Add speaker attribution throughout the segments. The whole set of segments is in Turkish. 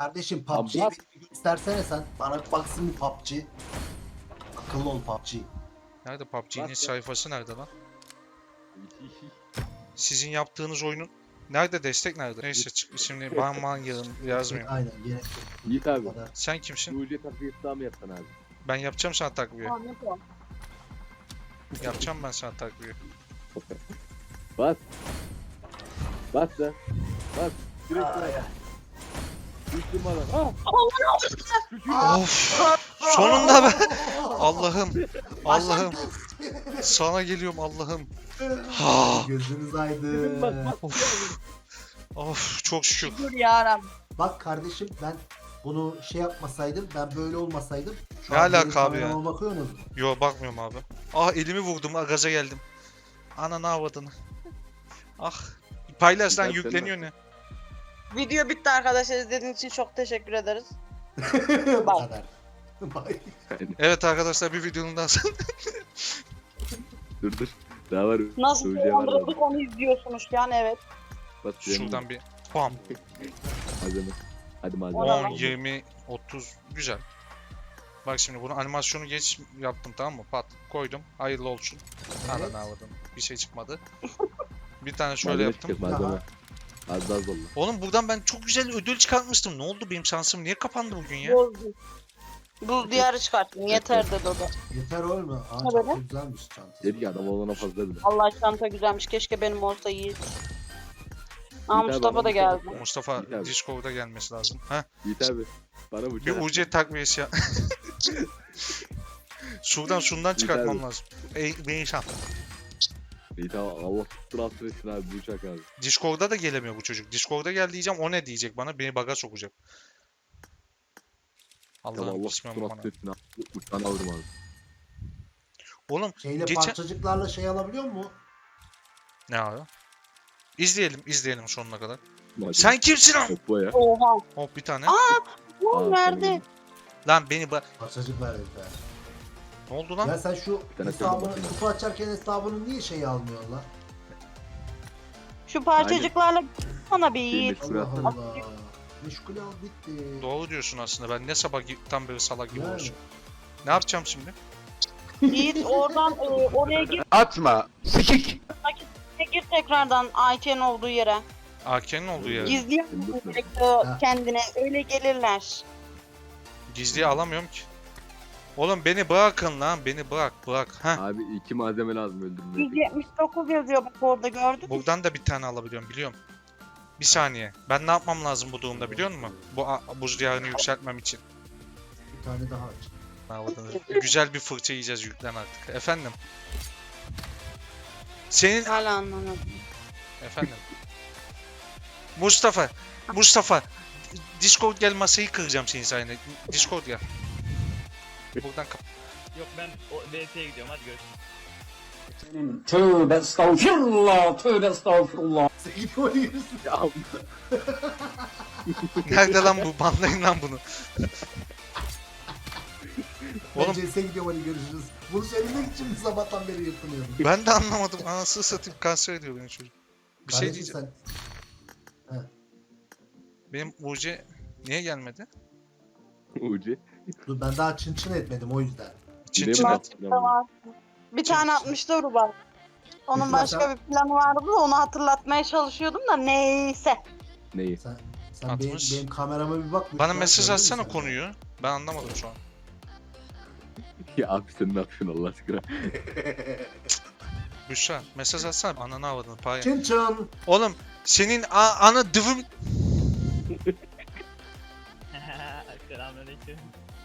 Speaker 1: Kardeşim
Speaker 2: Abi
Speaker 1: PUBG'yi
Speaker 2: bak.
Speaker 1: bir göstersene sen. Bana bir baksın bir PUBG. Akıllı ol PUBG.
Speaker 3: Nerede PUBG'nin
Speaker 2: Bak.
Speaker 3: sayfası nerede lan? Sizin yaptığınız oyunun nerede, destek nerede? Neyse şimdi ban yazmayayım.
Speaker 1: Aynen gerek yok.
Speaker 2: Yiğit abi.
Speaker 1: Bu kadar.
Speaker 3: Sen kimsin?
Speaker 2: UC takviyesi daha mı yapsan abi?
Speaker 3: Ben yapacağım sana takviye.
Speaker 4: Tamam yapalım.
Speaker 3: Yapacağım ben sana takviye.
Speaker 2: Bas. Bas da. Bas. Direkt bas. Düştüm bana. Ah!
Speaker 3: Of! Sonunda be! Allah'ım! Allah'ım! Sana geliyorum Allah'ım. Ha!
Speaker 1: Gözünüz
Speaker 2: Dedim
Speaker 1: aydın.
Speaker 2: bak bak.
Speaker 3: Of çok şükür.
Speaker 4: Dur yarabbim.
Speaker 1: Bak kardeşim ben bunu şey yapmasaydım, ben böyle olmasaydım. Şu
Speaker 3: Ne
Speaker 1: an benim
Speaker 3: alaka abi ya?
Speaker 1: kamerama bakıyorsunuz.
Speaker 3: Yo bakmıyorum abi. Ah elimi vurdum, gaza geldim. Ananı avradını. Ah. Paylaş lan,
Speaker 2: Güzel, sen
Speaker 3: yükleniyor ne?
Speaker 4: Video bitti arkadaşlar. İzlediğiniz için çok teşekkür ederiz.
Speaker 1: Bu
Speaker 4: Bak.
Speaker 1: kadar. Bye.
Speaker 3: Evet arkadaşlar, bir videonun daha
Speaker 2: Dur dur. Daha var.
Speaker 4: Nasıl
Speaker 2: UC var da.
Speaker 4: kullandırdık onu izliyorsunuz yani evet.
Speaker 2: Bas.
Speaker 3: şuradan bir bam.
Speaker 2: Malzeme. Hadi malzeme.
Speaker 3: 10, 20, 30 güzel. Bak şimdi bunu animasyonu geç yaptım, tamam mı? Pat koydum. Hayırlı olsun.
Speaker 1: Evet.
Speaker 3: Ananı avradım. Bir şey çıkmadı. Bir tane şöyle
Speaker 2: Malzeme
Speaker 3: yaptım.
Speaker 2: çıkacak, malzeme. Az daha zorla.
Speaker 3: Oğlum buradan ben çok güzel ödül çıkartmıştım. Ne oldu, benim şansım niye kapandı bugün ya?
Speaker 4: Bozdu. Buz diyarı çıkarttım. Yeter dedi o da.
Speaker 1: Yeter olma. Aa,
Speaker 4: Ne
Speaker 1: çok
Speaker 4: böyle?
Speaker 1: güzelmiş çantası.
Speaker 2: Dedi ki adam olana fazla dedi.
Speaker 4: Allah çanta güzelmiş. Keşke benim olsa iyi. Aa
Speaker 2: abi,
Speaker 4: Mustafa
Speaker 2: bana
Speaker 4: da
Speaker 2: bir
Speaker 4: geldi.
Speaker 2: tane-
Speaker 3: Mustafa
Speaker 2: İyi abi.
Speaker 3: Discord'a gelmesi lazım. Heh,
Speaker 2: Yiğit abi. Bana bu
Speaker 3: bir
Speaker 2: çarap.
Speaker 3: UC takviyesi ya. Şundan çıkartmam
Speaker 2: abi.
Speaker 3: lazım. Beyşan.
Speaker 2: Yiğit abi Allah tuttur altın etsin abi bu uçak abi.
Speaker 3: Discord'a da gelemiyor bu çocuk. Discord'a gel diyeceğim, o ne diyecek bana? Beni baga sokacak.
Speaker 2: Tamam
Speaker 3: Allah'ım
Speaker 2: Allah tuttur
Speaker 3: bismillah.
Speaker 2: altın etsin abi. Uçağını alırım abi.
Speaker 3: Oğlum
Speaker 1: Şeyle
Speaker 3: Geçen-
Speaker 1: parçacıklarla şey alabiliyor mu?
Speaker 3: ne abi? İzleyelim sonuna kadar.
Speaker 2: Hadi.
Speaker 3: Sen kimsin lan?
Speaker 2: Topla ya.
Speaker 4: Oha.
Speaker 3: Hop bir tane.
Speaker 4: Oğlum verdi.
Speaker 3: Lan beni
Speaker 1: Parçacık ver herif be.
Speaker 3: Ne oldu lan?
Speaker 1: Ya sen şu
Speaker 2: tane
Speaker 1: hesabını,
Speaker 2: bakayım.
Speaker 1: kutu açarken hesabını niye şey almıyorsun lan?
Speaker 4: Şu parçacıklarla bana bir yiğit.
Speaker 2: Şuraya
Speaker 1: Allah
Speaker 2: atalım.
Speaker 1: Allah. Meşgul al bitti.
Speaker 3: Doğru diyorsun aslında. Ben ne sabahtan beri salak gibi
Speaker 1: Yani.
Speaker 3: olsun. Ne yapacağım şimdi?
Speaker 4: Yiğit oradan oraya gir.
Speaker 5: Atma. Sikik.
Speaker 4: Gir tekrardan Ayça'nın olduğu yere.
Speaker 3: AK'nin olduğu yere.
Speaker 4: Gizleyemezsin gerekiyor kendine. Öyle gelirler.
Speaker 3: Gizliye alamıyorum ki. Oğlum beni bırakın lan. Beni bırak. Heh.
Speaker 2: Abi 2 malzeme lazım öldürmeye.
Speaker 4: 179 yazıyor bak orada gördün mü?
Speaker 3: Buradan da bir tane alabiliyorum, biliyorum. Bir saniye. Ben ne yapmam lazım bu durumda, biliyor musun? Bu buz diyarını yükseltmem için.
Speaker 1: Bir tane daha aç.
Speaker 3: Güzel bir fırça yiyeceğiz, yüklen artık. Efendim? Senin...
Speaker 4: Hala anlamadım.
Speaker 3: Efendim? Mustafa. Discord gel, masayı kıracağım senin sayende. Discord gel. Buradan kap.
Speaker 6: Yok ben o VS'ye gidiyorum hadi görüşürüz.
Speaker 7: Tövbe estağfirullah, tövbe estağfurullah.
Speaker 1: Sen gidiyor yürüsün.
Speaker 2: Ya
Speaker 3: Nerede lan bu? Banlayın lan bunu.
Speaker 1: Ben
Speaker 3: Oğlum
Speaker 1: CS'e gidiyorum, hadi görüşürüz. Bunu söylemek için mi sabahtan beri yapılıyordum?
Speaker 3: ben de anlamadım. Anasını satayım, kanser ediyor beni çocuk. Bir şey
Speaker 1: Kardeşim
Speaker 3: diyeceğim.
Speaker 1: sen
Speaker 3: Benim UC niye gelmedi?
Speaker 2: UC.
Speaker 1: dur, ben daha çın etmedim o yüzden.
Speaker 3: Çin
Speaker 2: Ne
Speaker 3: çin
Speaker 2: mi?
Speaker 3: et.
Speaker 4: Tamam. Bir tane 64 var. Onun başka bir planı vardı da onu hatırlatmaya çalışıyordum da neyse.
Speaker 2: Neyi?
Speaker 1: Sen benim,
Speaker 3: 60.
Speaker 1: benim kamerama bir bak.
Speaker 3: Bana
Speaker 1: lütfen,
Speaker 3: mesaj
Speaker 1: gördün mü
Speaker 3: atsana
Speaker 1: sen?
Speaker 3: konuyu. Ben anlamadım şu an.
Speaker 2: Ya abi sen ne yapıyorsun Allah aşkına?
Speaker 3: Büşra mesaj atsana. Ananı avradını paya.
Speaker 1: Çın çın.
Speaker 3: Oğlum senin ana dıvım...
Speaker 6: Selamünaleyküm.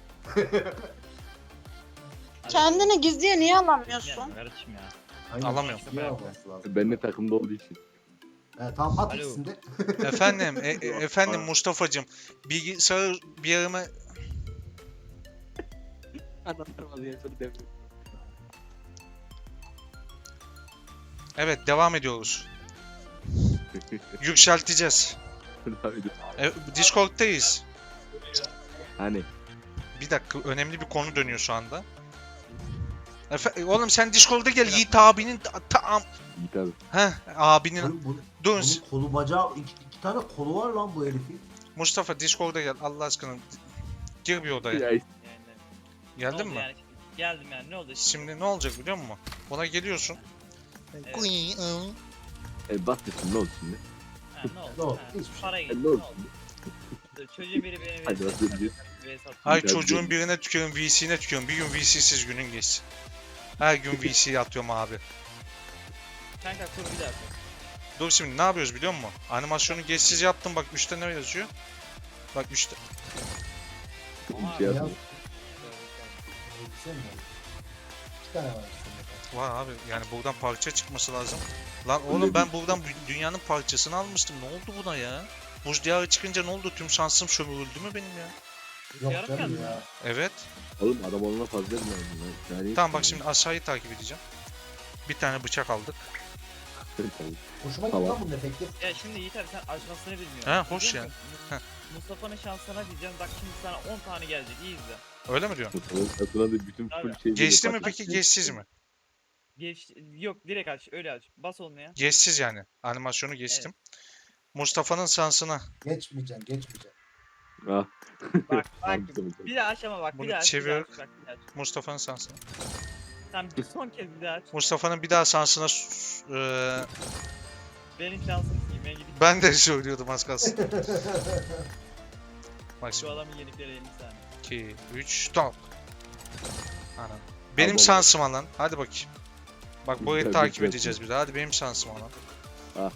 Speaker 4: Kendini gizliye niye alamıyorsun?
Speaker 6: Yani kardeşim ya.
Speaker 1: Aynen,
Speaker 3: Alamıyorum.
Speaker 1: iyi olması lazım.
Speaker 2: Benimle takımda olduğu için.
Speaker 1: Tamam at
Speaker 6: Alo.
Speaker 1: ikisini de.
Speaker 3: Efendim, efendim Mustafa'cım. Bilgisayar bir yerime...
Speaker 2: Anlatırmaz ya sonra devre.
Speaker 3: Evet, devam ediyoruz. Yükselteceğiz. Discord'tayız.
Speaker 2: Hani
Speaker 3: Bir dakika, önemli bir konu dönüyor şu anda. Oğlum sen Discord'a gel, Yiğit abinin
Speaker 2: Yiğit abi.
Speaker 3: abinin
Speaker 1: Bunun
Speaker 3: dur
Speaker 1: kolu bacağı iki tane kolu var lan bu herifin.
Speaker 3: Mustafa Discord'a gel Allah aşkına. Gir bir odaya.
Speaker 2: Ya
Speaker 6: Yani,
Speaker 3: Geldin
Speaker 6: ne oldu
Speaker 3: mi?
Speaker 6: Yani? Geldim yani ne oldu işte?
Speaker 3: Şimdi ne olacak biliyor musun? Buna geliyorsun.
Speaker 6: Evet.
Speaker 2: bas desin ne oldu şimdi?
Speaker 6: Ha, ne oldu?
Speaker 1: Ne oldu?
Speaker 6: Ha,
Speaker 1: Hiçbir şey.
Speaker 6: Para gitti.
Speaker 2: Ne
Speaker 6: Ne
Speaker 2: oldu
Speaker 6: oldu?
Speaker 2: şimdi?
Speaker 6: Çocuğun biri beni
Speaker 2: Hadi
Speaker 6: VS
Speaker 2: bakalım.
Speaker 6: attı.
Speaker 3: Ay
Speaker 2: Güzel
Speaker 3: çocuğun
Speaker 2: değil.
Speaker 3: birine tükürün, VC'ne tükürün. Bir gün VC'siz günün geçsin. Her gün VC'ye atıyorum abi.
Speaker 6: Kanka kur bir daha.
Speaker 3: Dur şimdi ne yapıyoruz biliyor musun? Animasyonu geçsiz yaptım bak 3'te ne yazıyor? Bak 3'te.
Speaker 2: Bir şey yapma.
Speaker 1: Elbise mi var? 2 tane var üstünde.
Speaker 3: Var abi yani buradan parça çıkması lazım. Lan oğlum ben buradan dünyanın parçasını almıştım. Ne oldu buna ya? Buz diyarı çıkınca ne oldu? Tüm şansım sömürüldü mü benim ya?
Speaker 1: Yok
Speaker 6: Yarım
Speaker 1: canım
Speaker 6: geldi.
Speaker 1: ya.
Speaker 3: Evet.
Speaker 2: Oğlum adam olana fazla mı lazım lan? Yani
Speaker 3: Tamam bak şimdi aşağıyı takip edeceğim. Bir tane bıçak aldık.
Speaker 1: Hoşuma gitti
Speaker 2: Tamam.
Speaker 1: lan bunun efekti.
Speaker 6: Ya şimdi Yiğit abi sen açmasını bilmiyorsun.
Speaker 3: He, hoş
Speaker 6: Biliyor
Speaker 3: ya.
Speaker 6: musun?
Speaker 3: Heh.
Speaker 6: Mustafa'nın şansına diyeceğim bak şimdi sana 10 tane gelecek iyi izle.
Speaker 3: Öyle mi diyorsun?
Speaker 2: Satına da bütün full
Speaker 6: Abi.
Speaker 2: şey.
Speaker 3: Geçti mi peki geçsiz mi?
Speaker 6: Yok direkt aç öyle aç. Bas olmaya.
Speaker 3: Geçsiz yani. Animasyonu geçtim. Mustafa'nın şansına.
Speaker 1: Geçmeyeceğim, geçmeyeceğim.
Speaker 2: Ah.
Speaker 6: Bak
Speaker 2: Tamam,
Speaker 6: bak
Speaker 2: tamam.
Speaker 6: bir daha aç ama bak
Speaker 3: Bunu
Speaker 6: bir daha aç.
Speaker 3: çevir.
Speaker 6: Bak bir daha aç.
Speaker 3: Mustafa'nın şansına.
Speaker 6: Sen bir son kez bir daha aç.
Speaker 3: Mustafa'nın bir daha şansına
Speaker 6: Benim şansım iyi ben gidip
Speaker 3: ben de söylüyordum az kalsın. Bak
Speaker 6: şu
Speaker 3: şimdi
Speaker 6: adamın yenikleri 50 saniye.
Speaker 3: 2, 3, stop. Anam. Benim
Speaker 2: Abi,
Speaker 3: şansıma lan. Hadi bakayım. Bak burayı
Speaker 2: Güzel,
Speaker 3: takip
Speaker 2: güzel.
Speaker 3: edeceğiz bir daha. Hadi benim şansıma lan.
Speaker 2: Ah.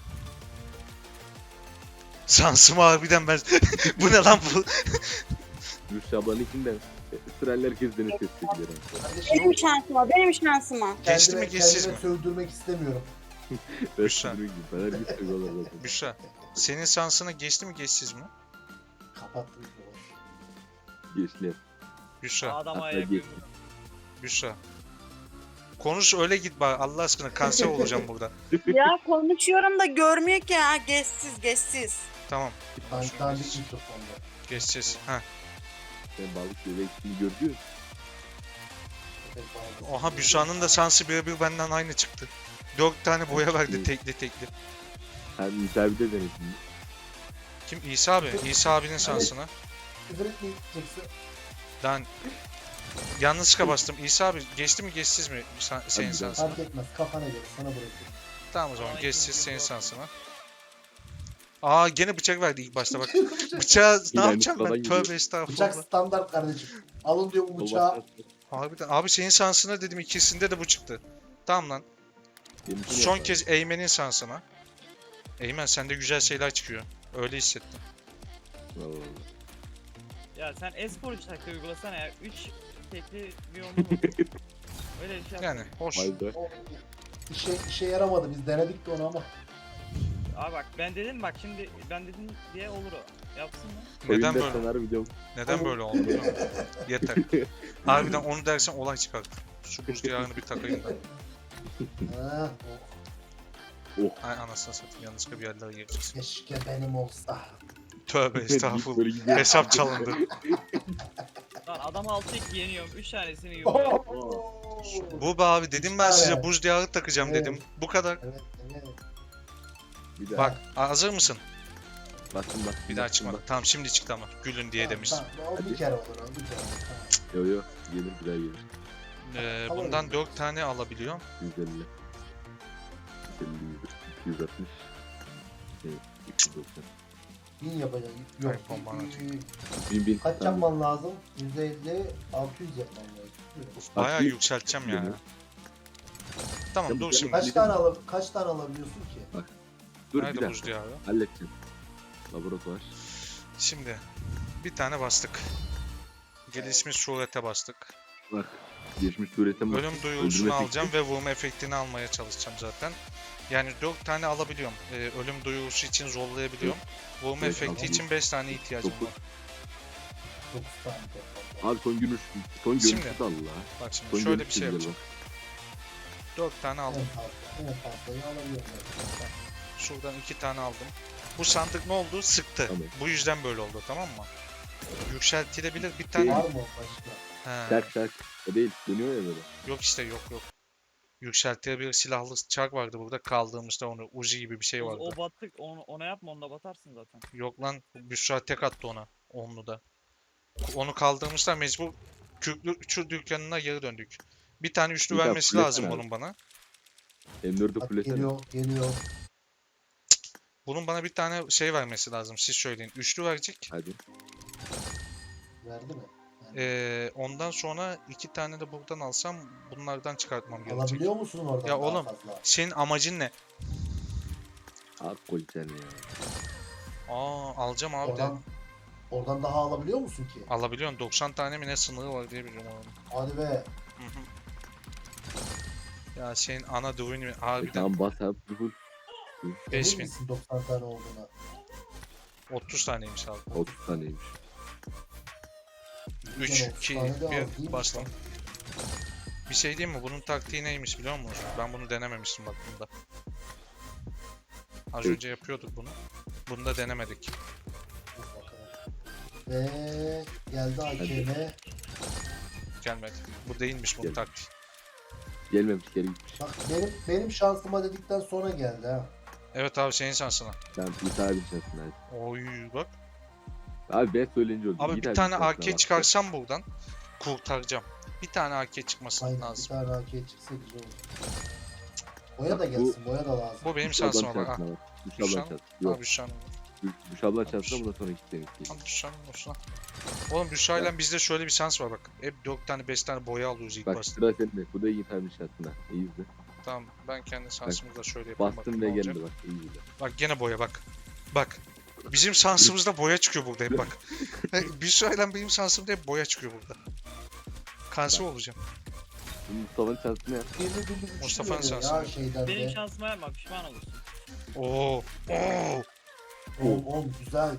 Speaker 3: Şansıma harbiden ben... Bu ne lan bu?
Speaker 2: Gülşah ablanınkinden sıralar herkes beni ses çekiyor.
Speaker 1: Kardeşim,
Speaker 4: Benim şansıma, benim şansıma.
Speaker 3: Geçti mi geçsiz mi?
Speaker 1: kendime sövdürmek istemiyorum.
Speaker 3: Gülşah.
Speaker 2: Ben her gün söylüyorlar zaten.
Speaker 3: Büşra. Senin şansına geçti mi geçsiz mi?
Speaker 1: Kapattım. boş.
Speaker 2: Geçti.
Speaker 3: Büşra.
Speaker 6: Adama
Speaker 2: Hatta
Speaker 6: ayak
Speaker 2: geçti.
Speaker 3: Büşra. Konuş öyle git bari Allah aşkına kanser olacağım burada.
Speaker 4: Ya konuşuyorum da görmüyor ki ha. Geçsiz, geçsiz.
Speaker 3: Tamam.
Speaker 1: Dandik mikrofonda.
Speaker 3: Geçeceğiz. Ha.
Speaker 2: Ben balık şöyle ikisini gördüm.
Speaker 1: Evet, bağlı.
Speaker 3: Oha Büşra'nın da şansı birebir benden aynı çıktı. 4 tane boya verdi tekli tekli.
Speaker 2: Hem müsaade de denesin.
Speaker 3: Kim? İsa abi. İsa abinin şansına.
Speaker 1: Küfür etmeyeceksin.
Speaker 3: Ben yanlışlıkla bastım. İsa abi geçti mi geçsiz mi senin
Speaker 2: Hadi
Speaker 3: şansına?
Speaker 1: Fark etmez. Kafana göre sana bırakıyorum.
Speaker 3: Tamam o zaman
Speaker 6: Ama
Speaker 3: geçsiz
Speaker 6: ikinci
Speaker 3: senin
Speaker 6: bu.
Speaker 3: şansına. Aa gene bıçak verdi ilk başta bak. Bıçağı ne
Speaker 2: Yine
Speaker 3: yapacağım
Speaker 2: sıradan
Speaker 3: ben?
Speaker 2: gidiyor.
Speaker 3: Tövbe estağfurullah.
Speaker 1: Bıçak standart kardeşim. Alın diyor bu bıçağı.
Speaker 3: Harbiden. Abi senin şansına dedim ikisinde de bu çıktı. Tamam lan. Son kez Eymen'in şansına. Eymen sende güzel şeyler çıkıyor. Öyle hissettim.
Speaker 6: Ya sen espor taktiği uygulasana ya. 3 tekli bir onu vur. Öyle bir şey
Speaker 3: Yani
Speaker 6: yapsana.
Speaker 3: hoş.
Speaker 2: Vay be.
Speaker 1: O işe yaramadı. Biz denedik de onu ama.
Speaker 6: Abi bak ben dedim bak şimdi ben dedim diye olur o. Yapsın mı?
Speaker 3: Neden
Speaker 2: Oyunda
Speaker 3: böyle?
Speaker 2: senaryo videom.
Speaker 3: Neden böyle oldu? biliyor musun? Yeter. Harbiden onu dersen olay çıkar. Şu buz diyarını bir takayım da.
Speaker 1: Ha,
Speaker 3: Ay anasını satayım yanlışlıkla bir yerlere gireceğiz.
Speaker 1: keşke benim olsa.
Speaker 3: Tövbe estağfurullah.
Speaker 2: Böyle gidiyor.
Speaker 3: Hesap çalındı.
Speaker 6: Lan adam 6-2 yeniyorum 3 tanesini yiyor.
Speaker 3: Bu be abi dedim ben size
Speaker 1: Evet.
Speaker 3: buz diyarı takacağım
Speaker 1: Evet.
Speaker 3: dedim. Bu kadar.
Speaker 1: Evet, evet.
Speaker 2: Bir daha.
Speaker 3: Bak hazır mısın?
Speaker 2: Bastım.
Speaker 3: Bir daha çıkmadı. Tamam şimdi çıktı ama. Gülün diye demiştim.
Speaker 1: Tamam, o bir kere olur, o bir kere olur. Tamam.
Speaker 2: Yo yo. Gelir bir daha gelir.
Speaker 3: Bundan 4 tane alabiliyorum.
Speaker 2: 150. 150, 260. Evet, 290.
Speaker 1: 1000 yapacağım. Yok.
Speaker 3: Hayır, bomba atacağım.
Speaker 2: 1000.
Speaker 1: Kaç yapman lazım? 150, 600 yapman lazım.
Speaker 3: Bayağı
Speaker 2: bir-
Speaker 3: yükselteceğim yani. Tamam
Speaker 2: Ya bu
Speaker 3: dur
Speaker 2: gene-
Speaker 3: şimdi.
Speaker 1: Kaç tane alabiliyorsun ki?
Speaker 2: Dur bir
Speaker 3: Nerede
Speaker 2: dakika.
Speaker 3: buz diyarı?
Speaker 2: Halledeceğim. Laboratuvar.
Speaker 3: Şimdi bir tane bastık. Gelişmiş surete bastık.
Speaker 2: Bak. Geçmiş surete bak.
Speaker 3: Ölüm duyurusunu
Speaker 2: Öldürme
Speaker 3: alacağım ve vurma efektini almaya çalışacağım zaten. Yani 4 tane alabiliyorum. Ölüm duyurusu için zorlayabiliyorum. Vurma
Speaker 2: Evet,
Speaker 3: efekti
Speaker 2: tamam.
Speaker 3: için 5 tane ihtiyacım
Speaker 2: Dokuz.
Speaker 3: var.
Speaker 1: 9 tane toplam.
Speaker 2: Abi son görüş. Son
Speaker 3: Şimdi.
Speaker 2: görüşü de Allah.
Speaker 3: Bak şimdi
Speaker 2: Son
Speaker 3: şöyle
Speaker 2: görüş
Speaker 3: bir şey
Speaker 2: de güzel
Speaker 3: yapacağım. 4 tane aldım.
Speaker 1: En fazlayı alabiliyorum.
Speaker 3: Şuradan 2 tane aldım. Bu sandık ne oldu? Sıktı.
Speaker 2: Tamam.
Speaker 3: Bu yüzden böyle oldu tamam mı? Yükseltilebilir bir
Speaker 1: Var
Speaker 3: tane.
Speaker 1: mı başka?
Speaker 3: He.
Speaker 2: Şark şark. O değil. Dönüyor ya böyle.
Speaker 3: Yok işte yok. Yükseltilebilir silahlı çark vardı burada kaldığımızda onu. Uzi gibi bir şey vardı.
Speaker 6: O battık ona yapma onda batarsın zaten.
Speaker 3: Yok lan Büşra tek attı ona. Onlu da. Onu kaldırmışlar mecbur Kürklü üçü dükkanına geri döndük. Bir tane üçlü
Speaker 2: Bir daha
Speaker 3: vermesi
Speaker 2: fullesene
Speaker 3: lazım
Speaker 2: abi.
Speaker 3: bunun bana.
Speaker 2: M4'ü
Speaker 1: Bak
Speaker 2: fullesene.
Speaker 1: geliyor.
Speaker 3: Bunun bana bir tane şey vermesi lazım. Siz söyleyin. Üçlü verecek.
Speaker 2: Hadi.
Speaker 1: Verdi mi?
Speaker 3: Ondan sonra 2 tane de buradan alsam bunlardan çıkartmam gerekecek.
Speaker 1: Alabiliyor musun oradan
Speaker 3: Ya
Speaker 1: daha
Speaker 3: oğlum,
Speaker 1: fazla?
Speaker 3: Senin amacın ne?
Speaker 2: Abi koyacaksın ya.
Speaker 3: Alacağım abi de.
Speaker 1: Oradan daha alabiliyor musun ki?
Speaker 3: Alabiliyorsun. 90 tane mi ne sınırı var diye biliyorum onu.
Speaker 1: Hadi be.
Speaker 3: Hı hı. Ya senin ana düğünü harbiden
Speaker 2: Tamam bas abi. Full.
Speaker 3: 5000.
Speaker 1: Emin misin 90 tane olduğuna?
Speaker 3: 30 taneymiş abi.
Speaker 2: 30 taneymiş.
Speaker 3: 3,
Speaker 1: Yani
Speaker 3: 2,
Speaker 1: 30 tane de az
Speaker 3: 1
Speaker 1: değilmiş
Speaker 3: bastım.
Speaker 1: lan.
Speaker 3: Bir şey diyeyim mi? Bunun taktiği neymiş biliyor musun? Ben bunu denememiştim bak bunda. Az
Speaker 2: Evet.
Speaker 3: önce yapıyorduk bunu. Bunu da denemedik.
Speaker 1: Dur bakalım. Ve geldi AKM.
Speaker 3: Gelmedi. Bu değilmiş bunun
Speaker 2: Gel.
Speaker 3: taktiği.
Speaker 2: Gelmemiş geri gitmiş.
Speaker 1: Bak benim şansıma dedikten sonra geldi ha.
Speaker 3: Evet abi senin şansına.
Speaker 2: Sen bir tane şansın hadi.
Speaker 3: Oy bak.
Speaker 2: Abi ben söyleyince oldu.
Speaker 3: Abi
Speaker 2: Git
Speaker 3: bir tane
Speaker 2: şansına
Speaker 3: AK
Speaker 2: bak.
Speaker 3: çıkarsam buradan kurtaracağım. Bir tane AK çıkması
Speaker 1: Aynen bir
Speaker 3: lazım.
Speaker 1: tane AK çıksa güzel olur. Boya da gelsin, boya da lazım.
Speaker 3: Bu benim
Speaker 2: Düş ablanın
Speaker 3: şansıma bak.
Speaker 2: şansına bak. Düş
Speaker 3: Düş
Speaker 2: ablanın
Speaker 3: abla-
Speaker 2: şansına. Yok.
Speaker 3: Abi Büşra'nın.
Speaker 2: Düş ablanın şansına bundan sonra git demek ki.
Speaker 3: Abi Büşra'nın olsun ha. Oğlum Büşra'yla bizde şöyle bir şans var bak. Hep 4 tane 5 tane boya alıyoruz ilk
Speaker 2: Bak
Speaker 3: başta.
Speaker 2: sıra sende. Bu da iyi tabii şansına. İyi izle.
Speaker 3: Tamam ben kendi şansımı da şöyle yapayım.
Speaker 2: Bastım
Speaker 3: bakayım
Speaker 2: ve
Speaker 3: ne olacak.
Speaker 2: geldi bak. İyi izle.
Speaker 3: Bak gene boya bak. Bak. Bizim şansımızda boya çıkıyor burada hep bak. Büşra'yla benim şansımda hep boya çıkıyor burada. Kanser olacağım.
Speaker 2: Şimdi Mustafa'nın şansını yap.
Speaker 1: Birli
Speaker 3: Mustafa'nın
Speaker 1: güçlü
Speaker 3: şansı.
Speaker 1: veriyor ya şeyden
Speaker 6: Benim
Speaker 1: de.
Speaker 6: şansıma yapma pişman olursun.
Speaker 3: Oo.
Speaker 1: Oğlum güzel.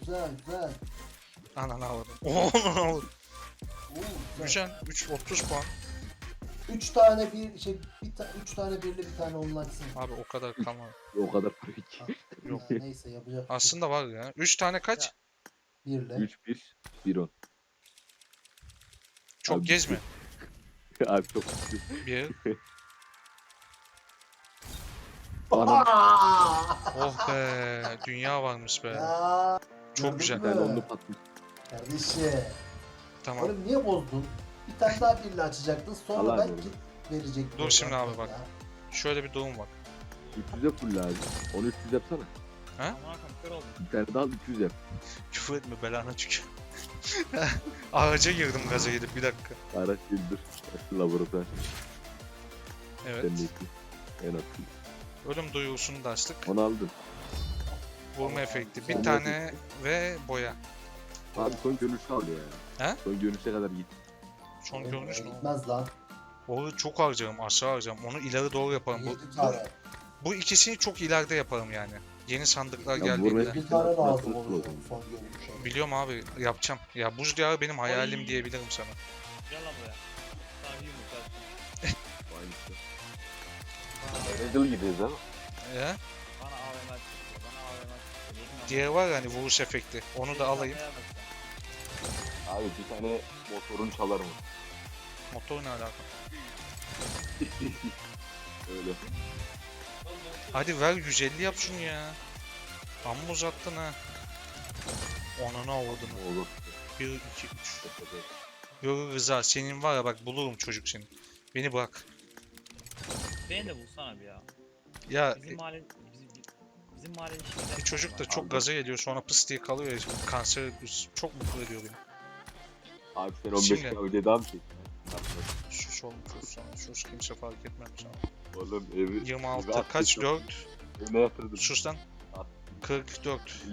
Speaker 3: Ananı avradım. Oo.
Speaker 1: Oo, güzel.
Speaker 3: Güzel. 30 puan.
Speaker 1: 3 tane üç tane birli bir tane online sim.
Speaker 3: Abi o kadar kalmadı.
Speaker 2: O kadar para ki.
Speaker 3: Yok.
Speaker 1: Ya, neyse yapacak.
Speaker 3: Aslında var ya. 3 tane kaç?
Speaker 1: Birle.
Speaker 2: 3-1-1-10.
Speaker 3: Çok
Speaker 2: Abi,
Speaker 3: gezme.
Speaker 2: Abi çok.
Speaker 3: 1.
Speaker 2: Anam.
Speaker 3: Oh be. Dünya varmış be.
Speaker 1: Ya,
Speaker 3: Çok
Speaker 1: gördün
Speaker 3: güzel.
Speaker 1: mü?
Speaker 2: Ben onu patmış.
Speaker 1: Kardeşim.
Speaker 3: Tamam.
Speaker 1: Oğlum niye bozdun? Bir tane daha birli açacaktın sonra
Speaker 2: Allah
Speaker 1: belki
Speaker 2: Allah.
Speaker 1: verecektin.
Speaker 3: Dur şimdi
Speaker 1: oradan
Speaker 3: abi bak.
Speaker 1: ya.
Speaker 3: Şöyle bir durum var.
Speaker 2: 300'e full abi. Onu 300 yapsana.
Speaker 6: Aman akım kör oldum.
Speaker 2: Bir tane daha al 300 yap.
Speaker 3: Küfür etme belana tükür. Ağaca girdim gaza gidip bir dakika.
Speaker 2: Araç bildir. Laboratuvar.
Speaker 3: Evet.
Speaker 2: Sen de iki. En atlı.
Speaker 3: Ölüm duyurusunu da açtık.
Speaker 2: Onu aldın.
Speaker 3: Vurma efekti. Bir
Speaker 2: Vurma
Speaker 3: tane ve boya.
Speaker 2: Abi son görünüşü al ya.
Speaker 3: He?
Speaker 2: Son görünüşe kadar git.
Speaker 3: Son
Speaker 1: Oğlum,
Speaker 3: görünüş ne?
Speaker 1: Gitmez lan.
Speaker 3: Onu çok harcarım, aşağı harcarım. Onu ileri doğru yaparım.
Speaker 1: 7 tane.
Speaker 3: Bu ikisini çok ileride yaparım yani. Yeni sandıklar
Speaker 2: Ya
Speaker 3: geldiğinde.
Speaker 2: vurma-
Speaker 1: Bir tane lazım
Speaker 2: Nasıl
Speaker 1: olur
Speaker 2: olur?
Speaker 1: son görünüşe.
Speaker 3: Biliyorum abi yapacağım. Ya buz diyarı benim hayalim
Speaker 6: Oy.
Speaker 3: diyebilirim sana.
Speaker 6: Gel lan buraya. Sana bir yumruk at.
Speaker 2: Aynısı. Angel gidiyoruz ama.
Speaker 3: Ya?
Speaker 6: Bana AVM at. Bana AVM at. Yedim ama.
Speaker 3: Diğeri var ya hani vuruş efekti. Onu da alayım.
Speaker 6: Şakaya bak sen.
Speaker 2: Abi bir tane motorun çalar mı?
Speaker 3: Motor ne alaka?
Speaker 2: Öyle.
Speaker 3: Hadi ver 150 yap şunu ya. Amma uzattın ha. Onunu avurdun.
Speaker 2: Olur.
Speaker 3: 1, 2, 3. Yok Rıza senin var ya bak bulurum çocuk seni. Beni bırak.
Speaker 6: Beni de bulsana bir ya.
Speaker 3: Ya
Speaker 6: Bizim mahalle... Bizim mahalle işinde...
Speaker 3: bir çocuk da çok
Speaker 2: Aldım.
Speaker 3: gaza geliyor sonra pıs diye kalıyor ya. Kanser çok mutlu ediyor beni.
Speaker 2: Abi sen 15
Speaker 3: Şimdi-
Speaker 2: kere öyle daha mı çektin?
Speaker 3: Sus oğlum sus sana. Sus kimse fark etmem sana.
Speaker 2: Oğlum evi...
Speaker 3: 26
Speaker 2: evi
Speaker 3: kaç
Speaker 2: attık.
Speaker 3: 4?
Speaker 2: Evine yatırdım.
Speaker 3: Sus lan. 44.